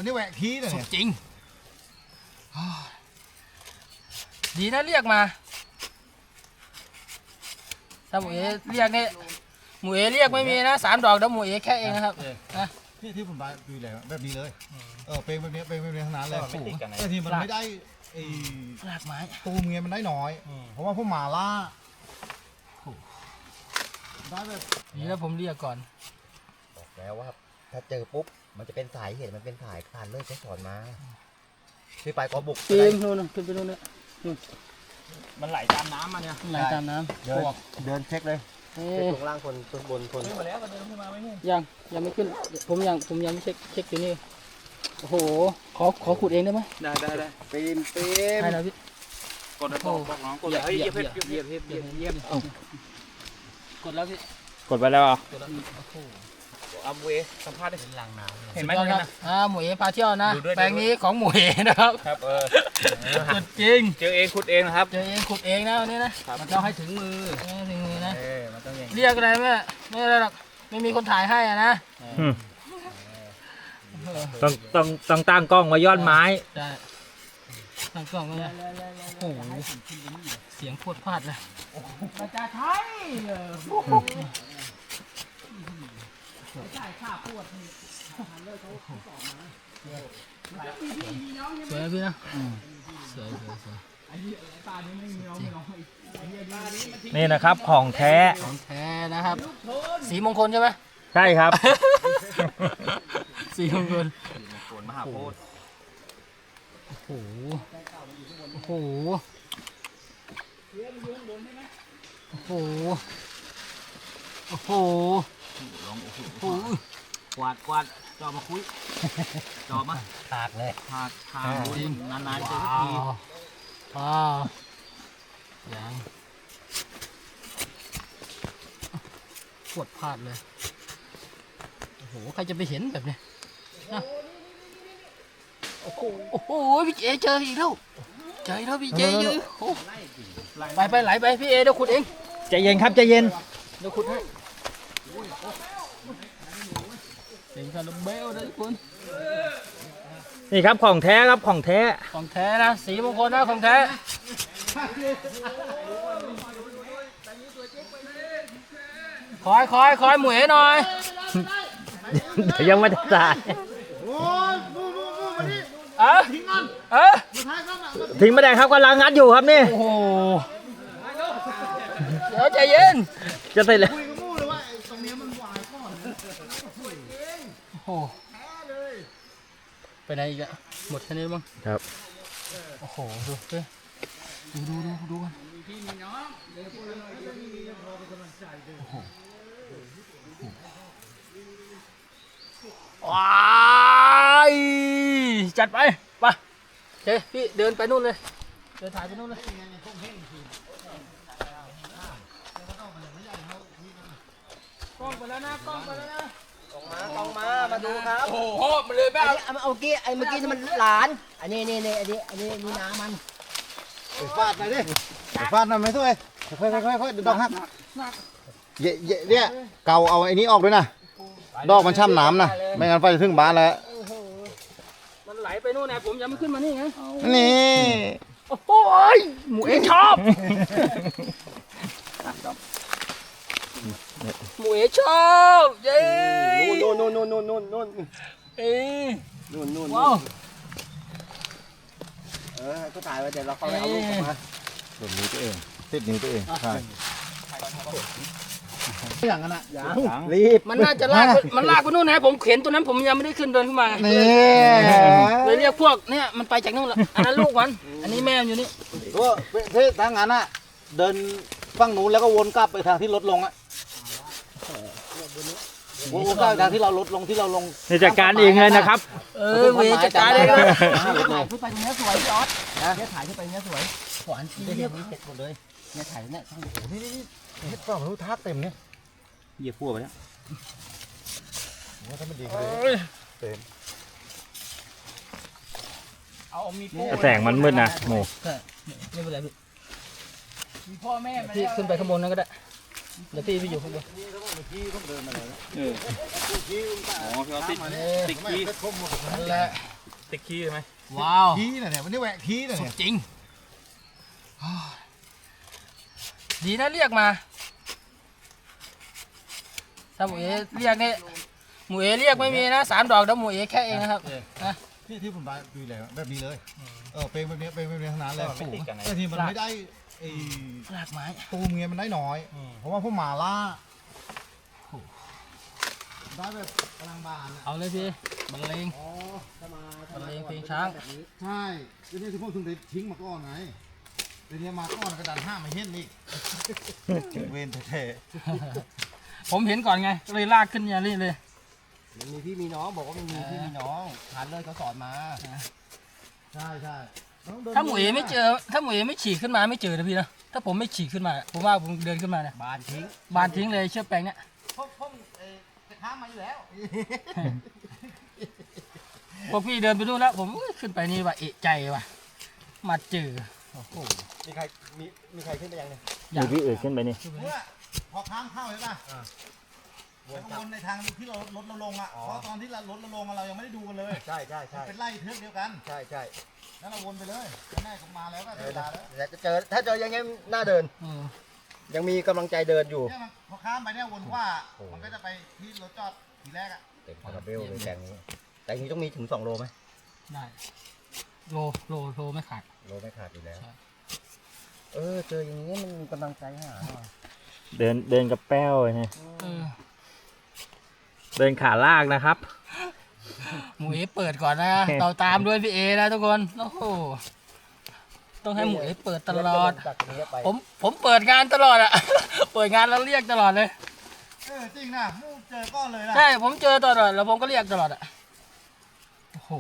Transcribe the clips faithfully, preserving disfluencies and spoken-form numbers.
มันนี่แหวกทีเลยสุดจริงดีนะเรียกมาถ้าหมูเอเรียกนี่หมูเอเรียกไม่มีนะสามดอกเดี๋ยวหมูเอแค่เองนะครับนะที่ที่ผมดูแลแบบนี้เลยเออเป็นแบบนี้เป็นแบบนี้ทั้งนั้นเลยแต่ทีมันไม่ได้ไอ้รากไม้ตูมเงี้ยมันได้น้อยเพราะว่าพวกหมาล่าได้แบบนี่แล้วผมเรียกก่อนบอกแล้วว่าถ้าเจอปุ๊บมันจะเป็นสายเห็นมันเป็นสายคลานเลยจะสอนมาที่ไปก็บุกปีนนู่นขึ้นไปนู่นเนี่ยมันไหลตามน้ำมาเนี่ยไหลตามน้ำเดินเดินเช็คเลยเช็คตรงล่างคนตรงบนคนขึ้นมาแล้วเดินขึ้นมาไม่เนี่ยยังยังไม่ขึ้นผมยังผมยังไม่เช็คเช็คอยู่นี่โอ้โหขอขอขุดเองได้ไหมได้ได้ได้ปีนปีนใช่แล้วพี่กดแล้วบอกน้องกดเลยเยียบเยียบเยียบเยียบเยียบเยียบกดแล้วพี่กดไปแล้วอ่ะเอาเวสัมภาษณ์ได้เห็นไหมครับอ่าหมูเอพาเที่ยวนะแปลงนี้ของหมูเอนะครับครับเออขุดจริงเจอเองขุดเองนะครับเจอเองขุดเองนะวันนี้นะมันต้องให้ถึงมือให้ถึงมือนะเรียกอะไรแม่ไม่อะไรหรอกไม่มีคนถ่ายให้อ่ะนะต้องต้องต้องตั้งกล้องไว้ยอดไม้ใช่ตั้งกล้องไว้โอ้โหเสียงพวดพลาดเลยประจาไทยใช่ข้าพวดสวยพี่นะสวยสวยสวยนี่นะครับของแท้ของแท้นะครับสีมงคลใช่ไหมใช่ครับสีมงคลมหาโพธิ์โอ้โหโอ้โหโอ้โหโอ้โหลองโอ้โหกวาดกวาดจอมาคุยจอมาถากเลยถากถากจริงนานๆเจอสักทีว้าวยังปวดพลาดเลยโอ้โหใครจะไปเห็นแบบนี้นะโอ้โหโอ้โหพี่เจเจออีกแล้วเจออีกแล้วพี่เจเจอไปไปไหลไปพี่เอเดี๋ยวขุดเองใจเย็นครับใจเย็นเดี๋ยวขุดให้เสียงคาร์เบลนะทุกคนนี่ครับของแท้ครับของแท้ของแท้นะสีมงคลนะของแท้คอยคอยคอยหมวยหน่อยเดี๋ยวยังไม่ได้ตายเออเออทิ้งไม่ได้ครับกำลังงัดอยู่ครับนี่โอ้โหเดี๋ยวใจเย็นจะใส่เลยโอ้ไปไหนอีกอะหมดแค่นี้มั้งครับโอ้โหดูดูดูดูดูกันว้ายจัดไปไปเฮ้พี่เดินไปนู่นเลยเดินถ่ายไปนู่นเลยกล้องไปแล้วนะกล้องไปแล้วนะกองมามาดูครับโอ้โหมันเลยแบบเอาเมื่อกี้ไอ้เมื่อกี้มันหลานอันนี้นี่นี่อันนี้อันนี้นี่น้ามันฟาดหน่อยดิฟาดหน่อยไหมทุกคนค่อยค่อยค่อยดอกฮักเยอะเนี่ยเกาเอาไอ้นี้ออกด้วยนะดอกมันช่ำน้ำนะไม่งั้นไฟจะถึงบ้านแล้วมันไหลไปนู่นนะผมยังไม่ขึ้นมานี่ไงนี่โอ้โหหมูเองชอบหมูเอ๋ชอบเย้นู่นนู่นนู่นนู่นนู่นนู่นเอ้นู่นนู่นว้าวเออก็ถ่ายไว้เดี๋ยวเราเข้าไปเอาลูกมาติดนิ้วตัวเองติดนิ้วตัวเองใช่อย่างนั้นอ่ะรีบมันน่าจะลากมันลากไปนู่นนะผมเข็นตัวนั้นผมยังไม่ได้ขึ้นเดินขึ้นมานี่เลยเรียกพวกเนี่ยมันไปจากนู่นละอันนั้นลูกมันอันนี้แม่อยู่นี่ก็เท่ทางนั้นอ่ะเดินฝั่งนู้นแล้วก็วนกลับไปทางที่รถลงอ่ะวนกลับทางที่เราลดลงที่เราลงจัดการเองเลยนะครับเออเวจัดการเองเลยถ่ายขึ้นไปตรงนี้สวยพี่ออสเนี่ยถ่ายขึ้นไปเนี้ยสวยหวานจริงเนี่ยเสร็จหมดเลยเนี่ยถ่ายเนี่ยทั้งหมดนี่นี่เฮ็ดฝั่งนู้นทักเต็มเนี่ยเหยียบพัวไปแล้วว่าถ้ามันดีเลยเต็มเอามีแสงมันมืดนะโมไม่เป็นไรพี่มีพ่อแม่พี่ขึ้นไปข้างบนนั่นก็ได้เดี๋ยวพี่ไปอยู่ข้างบนพี่ต้องเดินมาเลยเอออ๋อพี่เอาติดติดพี่นั่นแหละติดขี้ใช่ไหมว้าวขี้น่ะเนี่ยวันนี้แหวกขี้น่ะสุเนี่ดยจริงดีนะเรียกมาถ้าหมูเอเรียกเนี่ยหมูเอเรียกไม่มีนะสามดอกเดี๋ยวหมูเอแค่เองนะครับนะนี่ที่ผมได้ดูแลแบบนี้เลยเออเป็นแบบนี้เป็นแบบนี้ทั้งนั้นเลยไม่ติดกันนะแต่ทีมันไม่ได้ไอ้รากไม้ตูมเงี้ยมันได้น้อย เพราะว่าพวกหมาล่าได้แบบกำลังบานอะเอาเลยพี่บรรเลงอ๋อถ้ามาบรรเลงเพลงช้างใช่เดี๋ยวนี้ทุกคนถึงได้ทิ้งมาก่อนไงเดี๋ยวนี้มาก่อนกระดานห้ามมาเห็นอีกเวนแท้ผมเห็นก่อนไงก็เลยลากขึ้นอย่างนี้เลยมันมีพี่มีน้องบอกว่ามันมีพี่มีน้องผ่านเลยเขาสอนมาๆใช่ใช่ต้องดินถ้าหมูเอไม่เจอ ถ้าหมูเอไม่ฉีกขึ้นมาไม่เจอนะพี่นะถ้าผมไม่ฉีกขึ้นมาผมว่าผมเดินขึ้นมาเนี่ยบานทิ้งบานทิ้งเลยเชือกแปลงเนี่ยพวกพวกเอ่อจะข้ามมาอยู่แล้วพวกพี่เดินไปนู่นแล้วผมขึ้นไปนี่ว่าเอะใจว่ะมาเจอโอ้โหมีใครมีมีใครขึ้นไปยังเนี่ยอยากพี่เอกขึ้นไปนี่เมื่อพอข้ามเข้าใช่ป่ะแล้วก็วนในทางที่เรารถเราลงอ่ะเพราะตอนที่เรารถเราลงอะเรายังไม่ได้ดูกันเลยใช่ใช่ใช่เป็นไล่เทือกเดียวกันใช่ใช่แล้วเราวนไปเลยแม่ก็มาแล้วก็เอเดิอนมาแล้วแต่จะเจอถ้าเจอยังไงน่าเดินเออยังมีกำลังใจเดินอยู่เนี่ยมันพอข้ามไปเนี่ยวนว่ามันก็จะไปที่รถจอดทีแรกอ่ะเต็มคาราเบลเลยแตงนี้แตงนี้ต้องมีถึงสองโลไหมได้โลโลโลไม่ขาดโลไม่ขาดอยู่แล้วใช่เออเจออย่างนี้มันมีกำลังใจหาหน่อยเดินเดินกับแป้วไงเออเดินขาลากนะครับหมูเอเปิดก่อนนะเราตามด้วยพี่เอนะทุกคนโอ้โหต้องให้หมูเอเปิดตลอดจากนี้ไปผมผมเปิดงานตลอดอะ เปิดงานแล้วเรียกตลอดเลยเออจริงนะมูเจอก้อนเลยนะใช่ผมเจอตลอดแล้วผมก็เรียกตลอดอะโอ้โห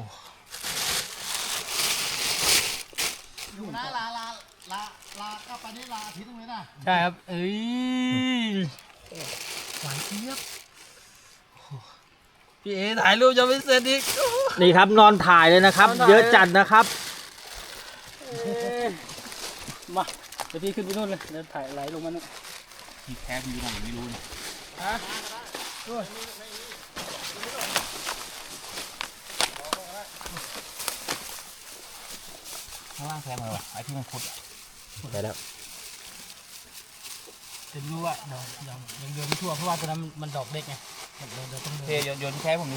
อยู่นะลาลาลาลาก็ไปนี่ลาอาทิตย์นึงเลยนะใช่ครับเอ้ยหวานเจี๊ยบโอ้โหพี่เอถ่ายรูปจะไม่เสร็จอีกโอ้โหนี่ครับนอนถ่ายเลยนะครับนอนถ่ายเยอะจัดนะครับเอ้ยมาเดี๋ยวพี่ขึ้นไปนู่นเลยเดี๋ยวถ่ายไหลลงมานู่นที่แท้พี่อยู่ไหนไม่รู้ฮะด้วยข้างล่างแทงเลยวะไอ้ที่มันขุดอะไปแล้วเดี๋ยวรู้ว่าเดี๋ยวยังยังเดินไม่ทั่วเพราะว่าตัวนั้นมันมันดอกเล็กไงเดี๋ยวเดี๋ยวต้องเดินเทโยนโยนแท้ผมดิ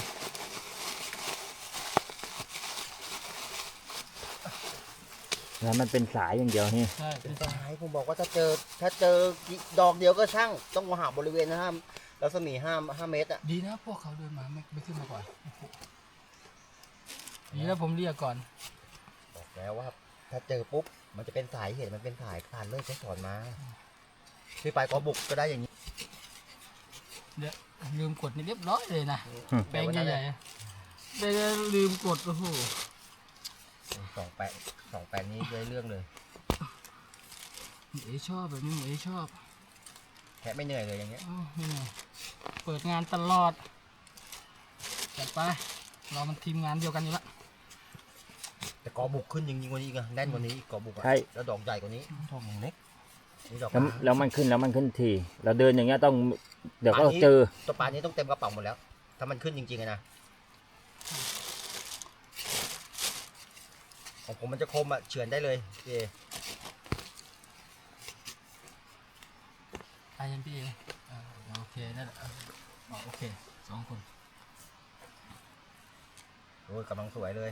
แล้วมันเป็นสายอย่างเดียวนี่ใช่เป็นสายผมบอกว่าถ้าเจอถ้าเจอดอกเดียวก็ช่างต้องมาหาบริเวณนะห้ามรัศมีห้าห้าเมตรอ่ะดีนะพวกเขาเดินมาไม่ไม่ขึ้นมาก่อนโอ้โหดีแล้วผมเรียกก่อนบอกแล้วว่าถ้าเจอปุ๊บมันจะเป็นสายเห็นมันเป็นสายผ่านเลยเขาสอนมาพี่ไปกอบุกก็ได้อย่างนี้เดี๋ยวลืมกดนี่เรียบร้อยเลยนะอืมแปลงใหญ่ๆได้ลืมกดโอ้โหสองแปดสองแปดนี้ได้เรื่องเลยหมูเอชอบแบบนี้หมูเอชอบแค่ไม่เหนื่อยเลยอย่างเงี้ยโอ้ไม่เหนื่อยเปิดงานตลอดจัดไปเรามันทีมงานเดียวกันอยู่ละแต่กอบุกขึ้นจริงๆกว่านี้อีกอะแน่นกว่านี้อีกกอบุกอะใช่แล้วดอกใหญ่กว่านี้ดอกอย่างเล็กนี่ดอกแล้วกลางแล้วมันขึ้นแล้วมันขึ้นทีเราเดินอย่างเงี้ยต้อง เดี๋ยวก็เจอตัวปลานี้ต้องเต็มกระเป๋าหมดแล้ว ถ้ามันขึ้นจริงๆอะนะของผมมันจะคมอะเฉือนได้เลยพี่เอไปยันพี่เอเออโอเคนั่นแหละอ๋อโอเคสองคนโอ้ยกำลังสวยเลย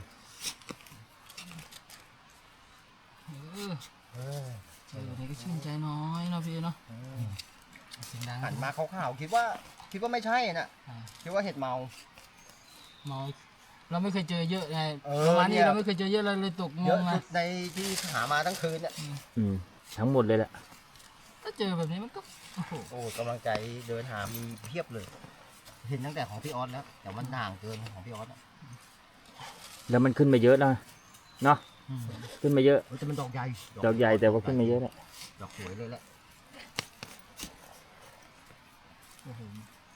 เออเออเจอนี่ก็ชื่นใจน้อยเนาะพี่เนาะเสียงดังหันมาขาวๆคิดว่าคิดว่าไม่ใช่น่ะอ่าคิดว่าเห็ดเมาเมาเราไม่เคยเจอเยอะไงเออประมาณเนี่นี้ยเราไม่เคยเจอเยอะเราเลยตกงเยอะงไงสุดในที่หามาทั้งคืนเนี่ยอืมทั้งหมดเลยแหละถ้าเจอแบบนี้มันก็โอ้โหโอ้กำลังใจเดินหามีเพียบเลย เห็นตั้งแต่ของพี่ออสแล้ว แต่มันห่างเกินของพี่ออสอะแล้วมันขึ้นมาเยอะนะเนาะอืมขึ้นมาเยอะเฮ้ยแต่มันดอกใหญ่ดอกใหญ่แต่ว่าขึ้นมาเยอะแหละดอกสวยเลยแหละโอ้โห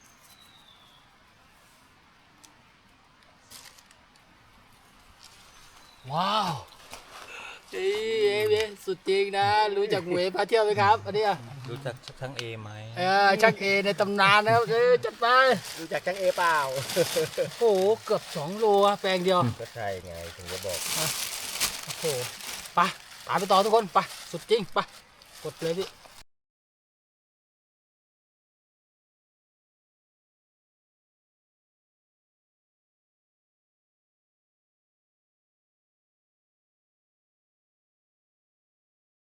ว้าวเอ้ยเอ้ยสุดจริงนะ รู้จักหมวยพาเที่ยวไหมครับ อันเนี้ยรู้จักช่างเอไหมเออชักเอในตำนานนะครับเออจัดไปรู้จักจังเอเปล่าโอ้โหเกือบสองโลอะแปลงเดียวก็ใช่ไงถึงจะบอกโอ้โหไปตามไปต่อทุกคนไปสุดจริงไปกดเลยพี่